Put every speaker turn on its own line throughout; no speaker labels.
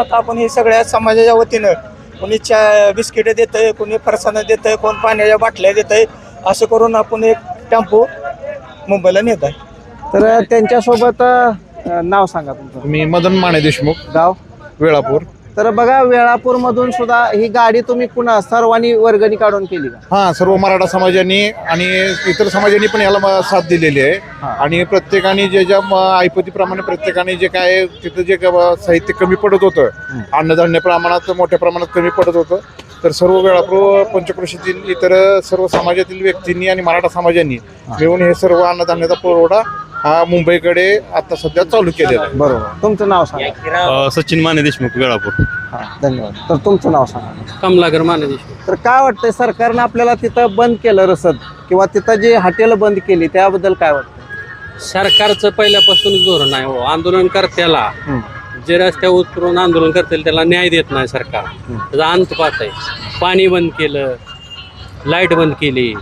आता आपण हे सगळ्या समाजाच्या वतीनं कोणी बिस्किट देतंय, कोणी फरसाणं देतंय, कोण पाण्याच्या बाटल्या देतंय, असं करून आपण एक टेम्पो मुंबईला नेत आहे.
तर त्यांच्यासोबत नाव सांगा तुमचं.
मी मदन माने देशमुख,
गाव.
वेळापूर.
तर बघा, वेळापूर मधून सुद्धा ही गाडी तुम्ही पुन्हा सर्वांनी वर्गणी काढून केली का?
हा, सर्व मराठा समाजाने आणि इतर समाजाने पण याला साथ दिलेली आहे. आणि प्रत्येकाने ज्या ऐपतीप्रमाणे प्रत्येकाने जे काय तिथं जे साहित्य कमी पडत होतं, अन्नधान्य प्रमाणात मोठ्या प्रमाणात कमी पडत होतं, तर सर्व वेळापूर पंचक्रोशीतील इतर सर्व समाजातील व्यक्तींनी आणि मराठा समाजांनी मिळून हे सर्व अन्नधान्याचा पुरवठा हा मुंबईकडे आता सध्या चालू केलेला आहे.
बरोबर. तुमचं नाव सांगा.
सचिन माने देशमुख, वेळापूर.
धन्यवाद. तर तुमचं नाव सांगा.
कमलाकर माने देशमुख.
तर काय वाटतंय, सरकारनं आपल्याला तिथं बंद केलं रसद किंवा तिथं जे हॉटेल बंद केली त्याबद्दल काय वाटतं?
सरकारचं पहिल्यापासून धोरण आहे. आंदोलनकर्त्याला जे रस्त्यावर उतरून आंदोलन करतील त्याला न्याय देत नाही सरकार. त्याचा अंत पाहत आहे. पाणी बंद केलं, लाईट बंद केली,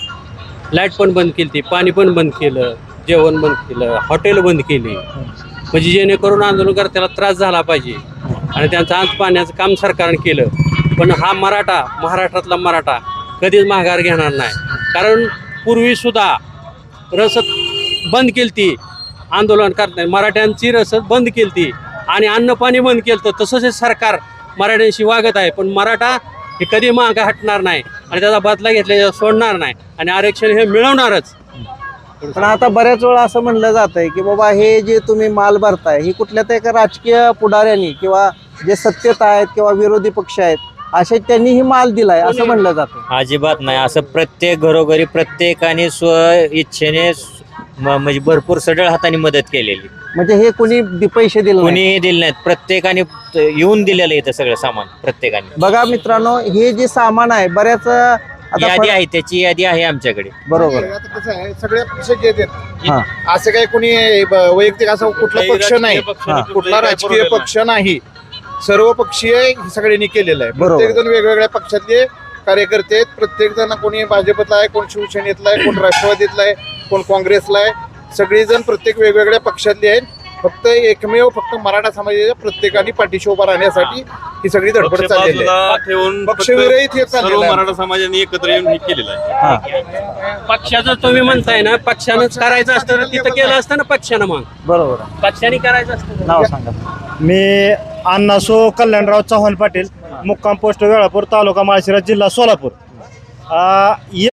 लाईट पण बंद केली, पाणी पण बंद केलं, जेवण बंद केलं, हॉटेल बंद केली, म्हणजे जेणेकरून आंदोलनकर्त्याला त्रास झाला पाहिजे आणि त्यांचं अंत पाहण्याचं काम सरकारने केलं. पण हा मराठा, महाराष्ट्रातला मराठा कधीच माघार घेणार नाही. कारण पूर्वीसुद्धा रसद बंद केली ती, आंदोलन करताना मराठ्यांची रसद बंद केली ती आणि अन्न पाणी बंद केलं. तर तसंच हे सरकार मराठ्यांशी वागत आहे. पण मराठा हे कधी मागं हटणार नाही आणि त्याचा बदला घेतल्याशिवाय सोडणार नाही आणि आरक्षण हे मिळवणारच.
पण आता बऱ्याच वेळा असं म्हणलं जात आहे की बाबा हे जे तुम्ही माल भरताय ही कुठल्या तर एका राजकीय पुढाऱ्यांनी किंवा जे सत्तेत आहेत किंवा विरोधी पक्ष आहेत असे त्यांनी ही माल दिलाय असं म्हणलं जातं.
अजिबात नाही. असं प्रत्येक घरोघरी प्रत्येकाने स्व इच्छेने म्हणजे भरपूर सढळ हाताने मदत केलेली.
म्हणजे हे कोणी पैसे दिले नाही?
कोणीही दिले नाहीत. प्रत्येकाने येऊन दिलेलं इथं सगळं सामान प्रत्येकाने.
बघा मित्रांनो, हे जे सामान आहे बऱ्याच
यादी आहे, त्याची यादी आहे आमच्याकडे.
बरोबर.
आता कसं आहे, सगळे पक्ष घेतात.
हा.
असं काही कोणी वैयक्तिक असा कुठला पक्ष नाही, कुठला राजकीय पक्ष नाही, सर्व पक्षीय सगळ्यांनी केलेलं आहे.
बरोबर.
प्रत्येक जण वेगवेगळ्या पक्षातले कार्यकर्ते आहेत. प्रत्येक जण कोणी भाजपला आहे, कोण शिवसेनेतला आहे, कोण राष्ट्रवादीतला आहे, कोण काँग्रेसला आहे. सगळेजण प्रत्येक वेगवेगळ्या पक्षातले आहेत. फक्त एकमेव मराठा समाजाच्या प्रत्येकाने पाठीशी उभा राहण्यासाठी ही सगळी धडपड चाललेली आहे. पक्षविरहित हे चाललेलं आहे.
मराठा समाजाने एकत्र येऊन हे केलेलं आहे. पक्षाचं तुम्ही म्हणताय ना, पक्षानंच करायचं असतं तर तिथं केलं असतं ना पक्षानं. मग
बरोबर.
पक्षाने करायचं असतं.
नाव सांगा.
मी अण्णासो कल्याणराव चव्हाण पाटील, मुक्काम पोस्ट वेळापूर, तालुका माळशिरस, जिल्हा सोलापूर.